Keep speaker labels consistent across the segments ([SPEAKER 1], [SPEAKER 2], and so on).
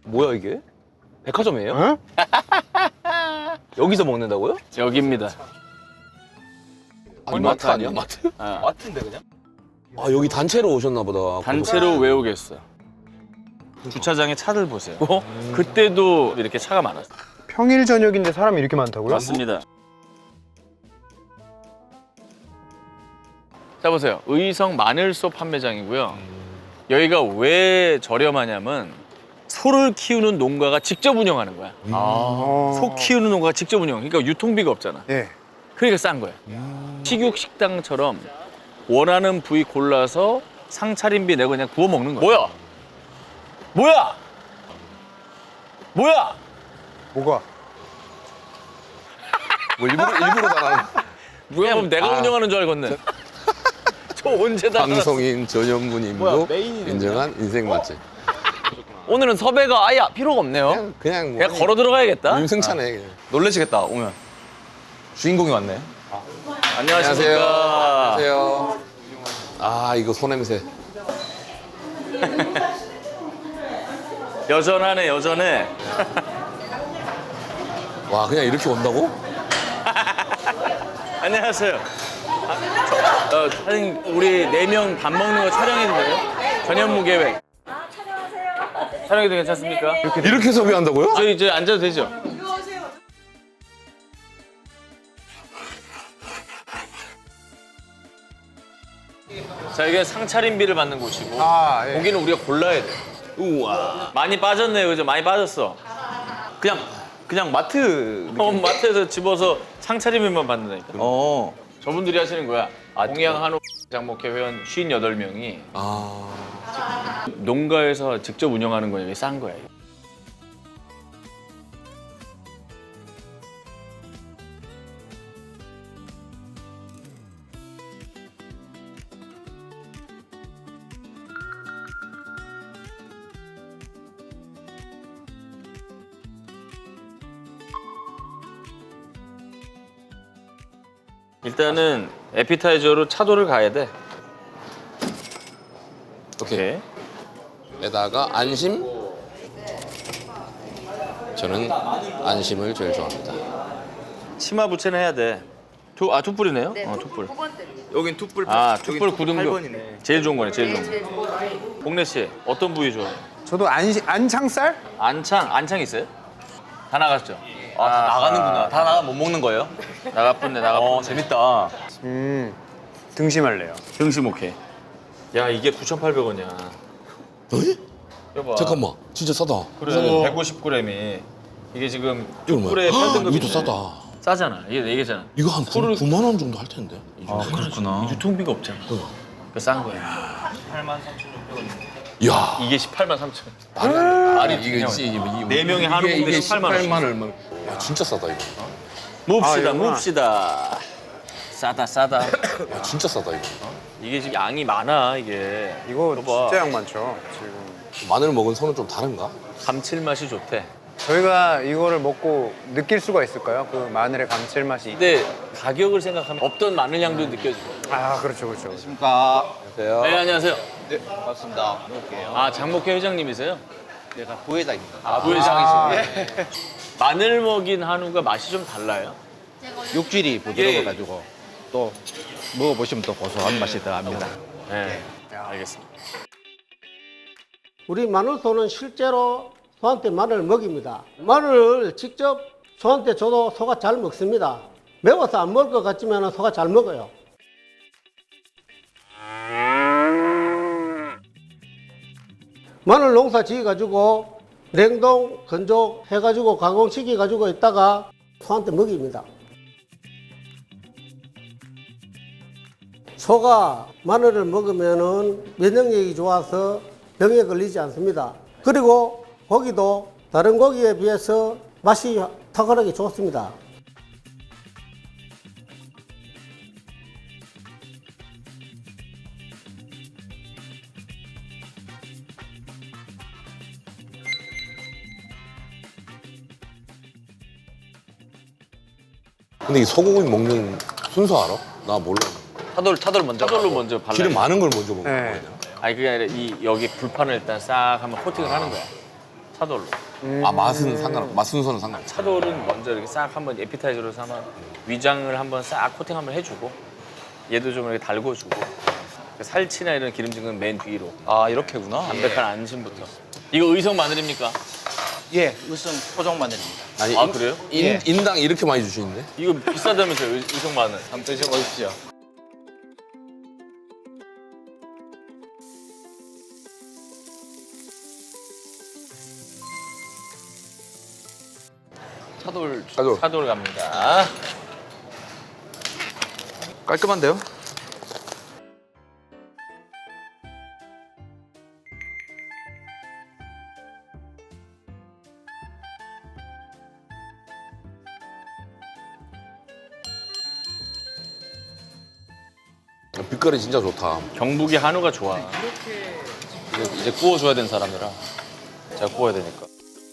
[SPEAKER 1] 뭐야 이게? 백화점이에요?
[SPEAKER 2] 응?
[SPEAKER 1] 여기서 먹는다고요?
[SPEAKER 3] 여기입니다.
[SPEAKER 1] 아니, 마트 아니야? 마트? 마트인데 그냥? 아 여기 단체로 오셨나 보다.
[SPEAKER 3] 단체로 왜 오겠어? 주차장에 차를 보세요. 그때도 이렇게 차가 많았어요.
[SPEAKER 2] 평일 저녁인데 사람이 이렇게 많다고요?
[SPEAKER 3] 맞습니다. 자 보세요. 의성 마늘소 판매장이고요. 여기가 왜 저렴하냐면 소를 키우는 농가가 직접 운영하는 거야. 소 키우는 농가가 직접 운영. 그러니까 유통비가 없잖아.
[SPEAKER 2] 예.
[SPEAKER 3] 그러니까 싼 거야. 식육 식당처럼 원하는 부위 골라서 상차림비 내고 그냥 구워 먹는 거야. 뭐야? 뭐야? 뭐야?
[SPEAKER 2] 뭐가?
[SPEAKER 1] 뭐 일부러 당하는.
[SPEAKER 3] 뭐야? 그럼 내가 운영하는 줄 알겠네. 저 언제 다
[SPEAKER 1] 방송인 전현무님도 인정한 인생 맛집.
[SPEAKER 4] 오늘은 섭외가 아예 필요가 없네요.
[SPEAKER 1] 그냥 뭐
[SPEAKER 3] 그냥 걸어 들어가야겠다.
[SPEAKER 1] 임승찬에 그냥.
[SPEAKER 4] 놀라시겠다 오면. 주인공이 왔네.
[SPEAKER 3] 안녕하십니까.
[SPEAKER 1] 안녕하세요. 아 이거 소냄새.
[SPEAKER 3] 여전하네 여전해.
[SPEAKER 1] 와 그냥 이렇게 온다고?
[SPEAKER 3] 안녕하세요. 사장님 우리 4명 밥 먹는 거 촬영해도 돼요? 전현무 계획.
[SPEAKER 5] 촬영하세요.
[SPEAKER 3] 촬영해도 괜찮습니까?
[SPEAKER 1] 이렇게 섭외한다고요?
[SPEAKER 3] 저희 이제 앉아도 되죠? 자 이게 상차림비를 받는 곳이고
[SPEAKER 2] 아, 예.
[SPEAKER 3] 고기는 우리가 골라야 돼. 우와 많이 빠졌네요, 그죠? 많이 빠졌어.
[SPEAKER 4] 그냥 마트.
[SPEAKER 3] 마트에서 집어서 상차림비만 받는다니까. 저분들이 하시는 거야. 동양 한옥 장목회 회원 58명이
[SPEAKER 1] 아
[SPEAKER 3] 농가에서 직접 운영하는 거니까 싼 거야. 이거. 일단은 에피타이저로 차도를 가야 돼.
[SPEAKER 1] 오케이. 에다가 안심. 저는 안심을 제일 좋아합니다.
[SPEAKER 3] 치마 부채는 해야 돼. 툭불이네요? 툭불.
[SPEAKER 4] 여긴 툭불.
[SPEAKER 3] 툭불 9등급. 제일 좋은 거네, 제일 좋은 거. 복래 씨, 어떤 부위 좋아해요?
[SPEAKER 2] 저도 안창살?
[SPEAKER 3] 안창 있어요? 다 나갔죠?
[SPEAKER 4] 다 나가는구나. 다 나가 못 먹는 거예요?
[SPEAKER 3] 나가뿐네, 나가뿐네.
[SPEAKER 4] 재밌다.
[SPEAKER 2] 등심할래요.
[SPEAKER 3] 등심 오케이. 야, 이게 9,800원이야.
[SPEAKER 1] 어이?
[SPEAKER 3] 여봐.
[SPEAKER 1] 잠깐만 진짜 싸다.
[SPEAKER 3] 그래, 150g이. 이게 지금 툭불의
[SPEAKER 1] 이거
[SPEAKER 3] 8등급인데.
[SPEAKER 1] 이것도 싸다.
[SPEAKER 3] 싸잖아. 이게 얘기잖아.
[SPEAKER 1] 이거 한 9만 원 정도 할 텐데.
[SPEAKER 4] 그렇구나.
[SPEAKER 3] 유통비가 없잖아. 그러니까 싼 거야.
[SPEAKER 1] 야
[SPEAKER 3] 이게 18만 3천.
[SPEAKER 1] 아니 이게
[SPEAKER 3] 네 명이 한우인데 18만 원.
[SPEAKER 1] 18만 얼마? 야 진짜 싸다 이거.
[SPEAKER 3] mov시다,
[SPEAKER 2] 이거구나.
[SPEAKER 3] mov시다. 싸다.
[SPEAKER 1] 야 진짜 싸다 이거.
[SPEAKER 3] 이게 지금 양이 많아, 이게.
[SPEAKER 2] 이거
[SPEAKER 3] 봐봐.
[SPEAKER 2] 진짜 양 많죠. 지금
[SPEAKER 1] 마늘 먹은 손은 좀 다른가?
[SPEAKER 3] 감칠맛이 좋대.
[SPEAKER 2] 저희가 이거를 먹고 느낄 수가 있을까요? 그 마늘의 감칠맛이.
[SPEAKER 3] 근데 가격을 생각하면 없던 마늘 향도 느껴지고.
[SPEAKER 2] 아 그렇죠.
[SPEAKER 1] 안녕하세요.
[SPEAKER 3] 네, 안녕하세요.
[SPEAKER 6] 네, 반갑습니다. 먹을게요.
[SPEAKER 3] 아, 장목회 회장님이세요?
[SPEAKER 6] 내가 부회장입니다.
[SPEAKER 3] 아, 부회장이시네. 마늘 먹인 한우가 맛이 좀 달라요?
[SPEAKER 6] 육질이 부드러워가지고 또 먹어보시면 또 고소한 맛이 더합니다.
[SPEAKER 3] 네, 알겠습니다.
[SPEAKER 7] 우리 마늘소는 실제로 소한테 마늘을 먹입니다. 마늘을 직접 소한테 줘도 소가 잘 먹습니다. 매워서 안 먹을 것 같지만 소가 잘 먹어요. 마늘 농사 지어가지고 냉동, 건조 해가지고 가공시켜가지고 있다가 소한테 먹입니다. 소가 마늘을 먹으면 면역력이 좋아서 병에 걸리지 않습니다. 그리고 고기도 다른 고기에 비해서 맛이 탁월하게 좋습니다.
[SPEAKER 1] 근데 이 소고기 먹는 순서 알아? 나 몰라.
[SPEAKER 4] 차돌 먼저.
[SPEAKER 3] 차돌로 먼저 발라.
[SPEAKER 1] 기름 많은 걸 먼저 먹는
[SPEAKER 2] 네.
[SPEAKER 1] 거야.
[SPEAKER 3] 아니 그게 아니라 이 여기 불판을 일단 싹 한번 코팅을 하는 거야. 차돌로.
[SPEAKER 1] 아 맛은 상관, 맛 순서는 상관.
[SPEAKER 3] 차돌은 먼저 이렇게 싹 한번 에피타이저로 삼아 위장을 한번 싹 코팅 한번 해주고 얘도 좀 이렇게 달궈주고 살치나 이런 기름진 건 맨 뒤로.
[SPEAKER 4] 아 이렇게구나.
[SPEAKER 3] 담백한 안심부터. 이거 의성 마늘입니까?
[SPEAKER 6] 예, 의성 토종 마늘입니다.
[SPEAKER 1] 아니
[SPEAKER 3] 아, 그래요?
[SPEAKER 1] 인당 이렇게 많이 주시는데?
[SPEAKER 3] 이거 비싸다면서요, 의성 마늘.
[SPEAKER 6] 한번 드셔보십시오.
[SPEAKER 3] 차돌 갑니다.
[SPEAKER 4] 깔끔한데요?
[SPEAKER 1] 빛깔이 진짜 좋다.
[SPEAKER 3] 경북이 한우가 좋아.
[SPEAKER 4] 이제 구워줘야 되는 사람이라 제가 구워야 되니까.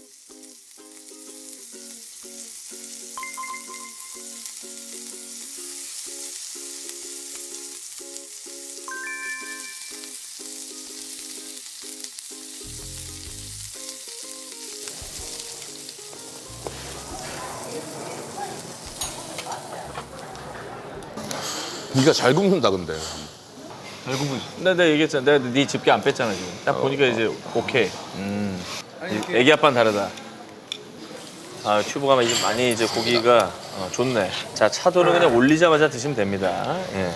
[SPEAKER 1] 니가 잘 굽는다 근데.
[SPEAKER 3] 내가 얘기했잖아. 내가 네 집게 안 뺐잖아 지금. 딱 보니까 이제 오케이. 애기 아빠는 다르다. 아 튜브가 이제 많이 이제 고기가 좋네. 자 차돌은 그냥 올리자마자 드시면 됩니다. 예.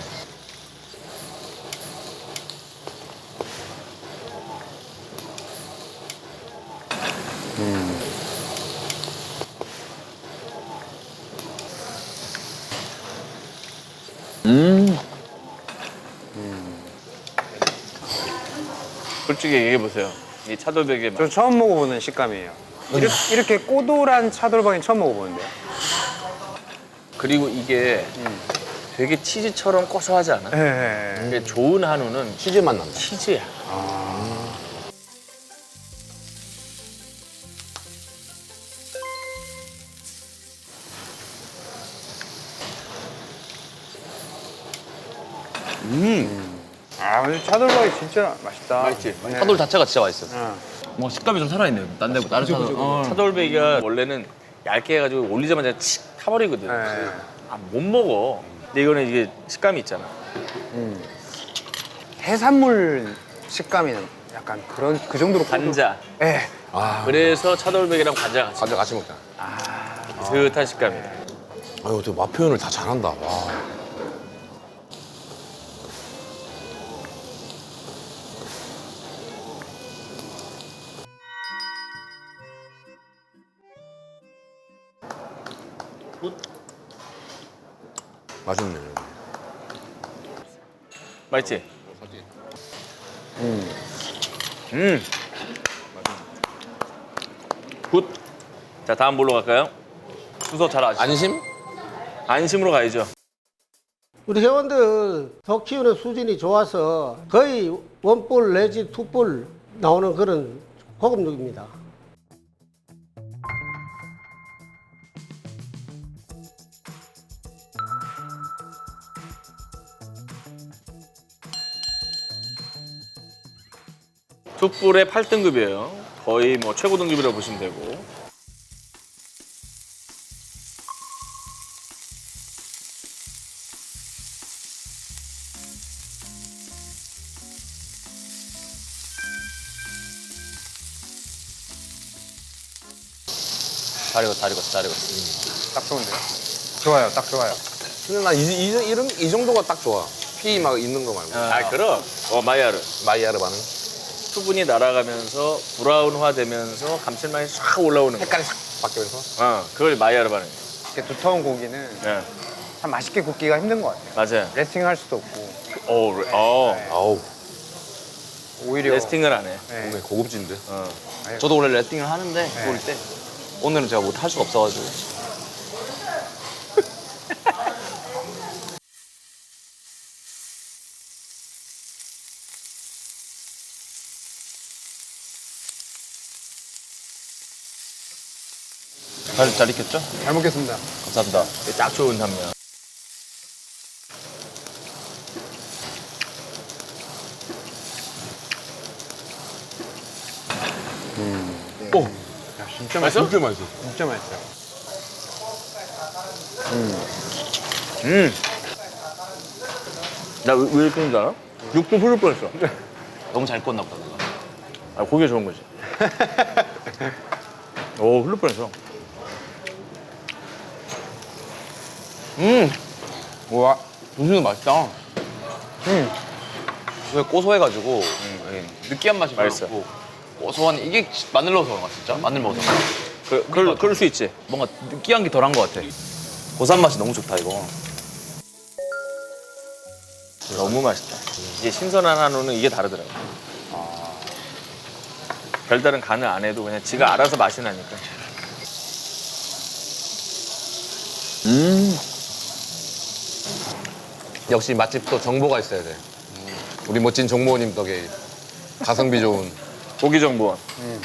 [SPEAKER 3] 솔직히 얘기해 보세요. 이 차돌백의 맛.
[SPEAKER 2] 저 처음 먹어보는 식감이에요. 이렇게 꼬돌한 차돌박이 처음 먹어보는데요.
[SPEAKER 3] 그리고 이게 되게 치즈처럼 고소하지 않아?
[SPEAKER 2] 네.
[SPEAKER 3] 근데 좋은 한우는
[SPEAKER 1] 치즈 맛 난다.
[SPEAKER 3] 치즈야.
[SPEAKER 2] 아, 근데 차돌박이 진짜 맛있다.
[SPEAKER 3] 맛있지?
[SPEAKER 2] 네.
[SPEAKER 4] 차돌 자체가 진짜 맛있어요.
[SPEAKER 2] 응.
[SPEAKER 4] 뭐 식감이 좀 살아있네요. 딴 데보다 다른 차돌.
[SPEAKER 3] 차돌백이가 원래는 얇게 해가지고 올리자마자 칙 타버리거든.
[SPEAKER 2] 네.
[SPEAKER 3] 아, 못 먹어. 근데 이거는 이게 식감이 있잖아.
[SPEAKER 2] 해산물 식감이 약간 그 정도로
[SPEAKER 3] 관자.
[SPEAKER 2] 네.
[SPEAKER 1] 아,
[SPEAKER 3] 그래서 차돌백이랑 관자 같이
[SPEAKER 1] 과자 같이 먹자.
[SPEAKER 3] 비슷한 식감이야.
[SPEAKER 1] 아유, 어떻게 맛 표현을 다 잘한다. 와. 맛있네.
[SPEAKER 3] 맛있지? 굿. 자 다음 뭘로 갈까요? 순서 잘 아시죠?
[SPEAKER 1] 안심?
[SPEAKER 3] 안심으로 가야죠.
[SPEAKER 7] 우리 회원들 소 키우는 수준이 좋아서 거의 원뿔 내지 투뿔 나오는 그런 고급육입니다.
[SPEAKER 3] 툭불의 8등급이에요. 거의 뭐 최고 등급이라고 보시면 되고.
[SPEAKER 4] 잘 익었어.
[SPEAKER 2] 딱 좋은데요? 좋아요, 딱 좋아요.
[SPEAKER 1] 근데 난 이 정도가 딱 좋아. 피 막 있는 거 말고.
[SPEAKER 3] 아 그럼 마이야르.
[SPEAKER 1] 마이야르 반응.
[SPEAKER 3] 수분이 날아가면서 브라운화 되면서 감칠맛이 싹 올라오는 거.
[SPEAKER 1] 색깔이 싹 바뀌면서.
[SPEAKER 3] 그걸 마이야르 반응.
[SPEAKER 2] 이렇게 두터운 고기는
[SPEAKER 3] 예.
[SPEAKER 2] 참 맛있게 굽기가 힘든 것 같아요.
[SPEAKER 3] 맞아요.
[SPEAKER 2] 레스팅 할 수도 없고
[SPEAKER 1] 아우,
[SPEAKER 2] 오히려
[SPEAKER 3] 레스팅을 안 해.
[SPEAKER 2] 네.
[SPEAKER 1] 오늘 고급진데.
[SPEAKER 4] 저도 원래 레팅을 하는데 구울 때 오늘은 제가 못 할 수가 없어가지고. 잘 익혔죠?
[SPEAKER 2] 잘 먹겠습니다.
[SPEAKER 4] 감사합니다.
[SPEAKER 3] 이게 딱 좋은 단면.
[SPEAKER 1] 오,
[SPEAKER 2] 진짜
[SPEAKER 3] 맛있어?
[SPEAKER 1] 진짜 맛있어.
[SPEAKER 2] 진짜 맛있어요.
[SPEAKER 3] 나 왜 이렇게 하는지 알아? 육도 흐를 뻔했어.
[SPEAKER 4] 너무 잘 꽂나 보다. 그거.
[SPEAKER 3] 아, 고기가 좋은 거지. 오, 흐를 뻔했어.
[SPEAKER 2] 우와.
[SPEAKER 4] 음식은 맛있다. 왜 고소해가지고 느끼한 맛이 별로
[SPEAKER 3] 맛있어.
[SPEAKER 4] 없고 고소한 이게 마늘 넣어서 그런가 진짜? 마늘 먹어서
[SPEAKER 3] 그럴 수 있지.
[SPEAKER 4] 뭔가 느끼한 게 덜한 것 같아. 고소한 맛이 너무 좋다 이거.
[SPEAKER 3] 너무 맛있다. 이게 신선한 한우는 이게 다르더라고. 별다른 간을 안 해도 그냥 지가 알아서 맛이 나니까.
[SPEAKER 1] 역시 맛집도 정보가 있어야 돼. 우리 멋진 정모님 덕에 가성비 좋은.
[SPEAKER 3] 고기 정보원.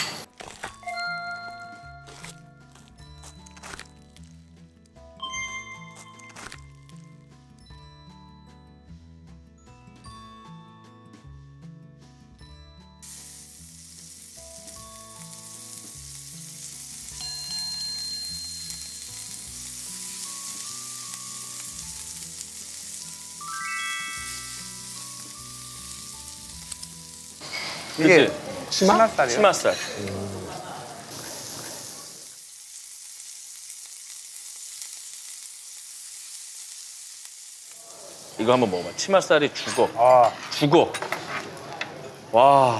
[SPEAKER 2] 이게
[SPEAKER 3] 그치?
[SPEAKER 2] 치맛살이요?
[SPEAKER 3] 치맛살. 이거 한번 먹어봐. 치맛살이 죽어.
[SPEAKER 2] 아,
[SPEAKER 3] 죽어. 와.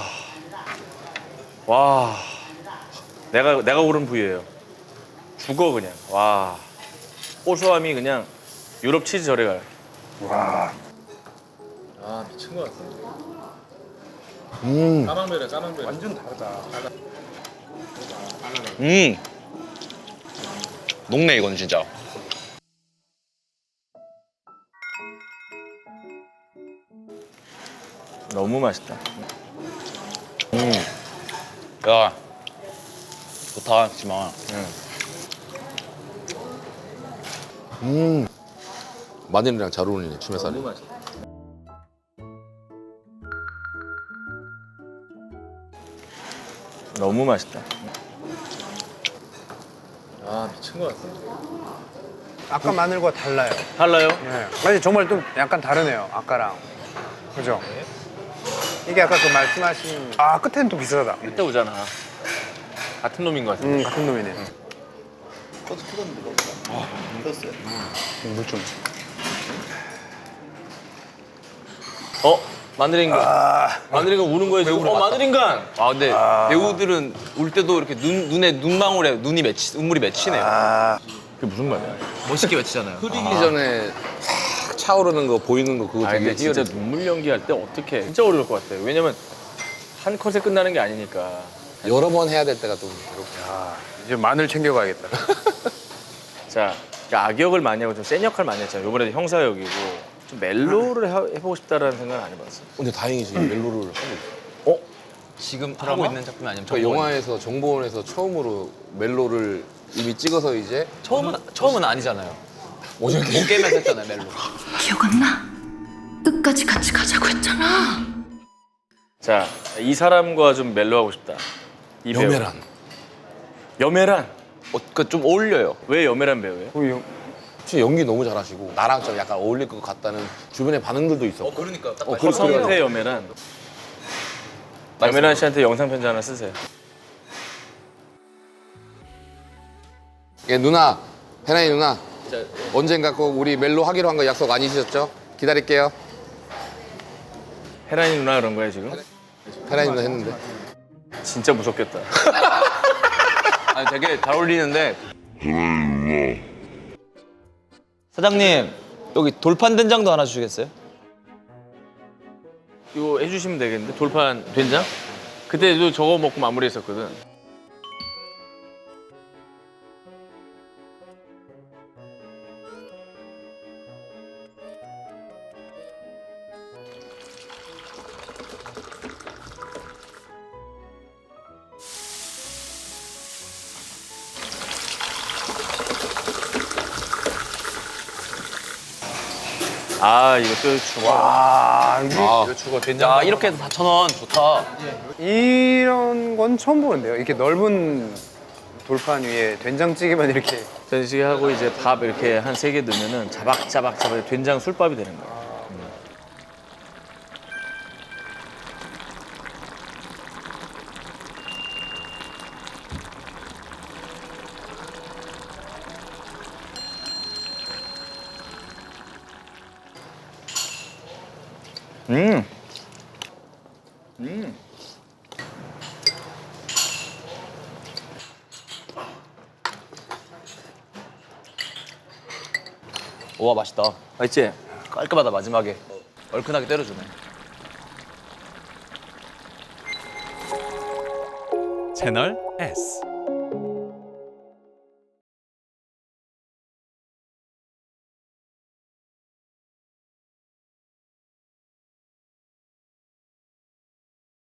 [SPEAKER 3] 와. 내가 고른 부위예요. 죽어 그냥. 와. 고소함이 그냥 유럽 치즈 절에 가요.
[SPEAKER 2] 와.
[SPEAKER 3] 아, 미친 것 같아. 까망베라, 까망베라.
[SPEAKER 2] 완전 다르다.
[SPEAKER 4] 녹네 이건 진짜.
[SPEAKER 3] 너무 맛있다.
[SPEAKER 4] 야 좋다 하지만
[SPEAKER 1] 마늘이랑 잘 어울리네, 치매살이.
[SPEAKER 3] 너무 맛있다. 너무 맛있다. 아, 미친 것 같아.
[SPEAKER 2] 아까 마늘과 달라요.
[SPEAKER 3] 달라요?
[SPEAKER 2] 예. 아니 정말 좀 약간 다르네요. 아까랑. 그죠? 이게 아까 그 말씀하신 끝에는 또 비슷하다.
[SPEAKER 3] 그때 오잖아. 같은 놈인 것 같아.
[SPEAKER 2] 같은 놈이네. 물 좀.
[SPEAKER 3] 어? 마늘인간. 마늘인간 우는 거야 지금. 마늘인간.
[SPEAKER 4] 아 근데 배우들은 울 때도 이렇게 눈에 눈망울에 눈물이 맺히네요.
[SPEAKER 3] 그게 무슨 말이야?
[SPEAKER 4] 멋있게 맺히잖아요.
[SPEAKER 1] 흐리기 전에 싹 차오르는 거 보이는 거 그거
[SPEAKER 3] 아,
[SPEAKER 1] 되게
[SPEAKER 3] 근데 진짜
[SPEAKER 1] 희열해.
[SPEAKER 3] 눈물 연기할 때 어떻게? 진짜 어려울 것 같아요. 왜냐면 한 컷에 끝나는 게 아니니까.
[SPEAKER 1] 여러 번 해야 될 때가 좀 괴롭고.
[SPEAKER 2] 이제 마늘 챙겨가야겠다.
[SPEAKER 3] 자, 그러니까 악역을 많이 하고 좀 센 역할 많이 했잖아요. 이번에도 형사 역이고 좀 멜로를 해보고 싶다라는 생각은 안 해봤어.
[SPEAKER 1] 근데 다행히 지금 멜로를 하고 있어.
[SPEAKER 4] 지금 하고 있는 작품이 아니면
[SPEAKER 1] 그러니까 영화에서 정보원에서 처음으로 멜로를 이미 찍어서 이제
[SPEAKER 4] 처음은 아니잖아요. 오늘 게임에서 했잖아요 멜로.
[SPEAKER 5] 기억 안 나? 끝까지 같이 가자고 했잖아.
[SPEAKER 3] 자, 이 사람과 좀 멜로 하고 싶다. 이 배우.
[SPEAKER 1] 여메란.
[SPEAKER 3] 여메란.
[SPEAKER 4] 좀 어울려요.
[SPEAKER 3] 왜 여메란 배우예요?
[SPEAKER 1] 진짜 연기 너무 잘하시고 나랑 좀 약간 어울릴 것 같다는 주변의 반응들도 있어.
[SPEAKER 4] 그러니까 딱
[SPEAKER 3] 허성태 여메란. 여메란 씨한테 영상 편지 하나 쓰세요.
[SPEAKER 1] 예, 누나, 페나이 누나. 언젠가 꼭 우리 멜로 하기로 한 거 약속 아니셨죠? 기다릴게요.
[SPEAKER 3] 헤라니 누나 그런 거야 지금?
[SPEAKER 1] 페나이 누나 했는데.
[SPEAKER 3] 진짜 무섭겠다.
[SPEAKER 4] 아니 되게 잘 어울리는데. 사장님 여기 돌판 된장도 하나 주시겠어요?
[SPEAKER 3] 이거 해주시면 되겠는데? 돌판 된장? 그때도 저거 먹고 마무리했었거든. 아, 이것도 추가.
[SPEAKER 2] 와, 이게
[SPEAKER 1] 아,
[SPEAKER 3] 추가 된장.
[SPEAKER 4] 야 이렇게 해서 4,000원 좋다.
[SPEAKER 2] 이런 건 처음 보는데요. 이렇게 넓은 돌판 위에 된장찌개만 이렇게.
[SPEAKER 3] 된장찌개 하고 이제 밥 이렇게 한 3개 넣으면은 자박자박 된장 술밥이 되는 거야.
[SPEAKER 4] 우와 맛있다. 맛있지? 깔끔하다 마지막에. 얼큰하게 때려주네.
[SPEAKER 8] 채널 S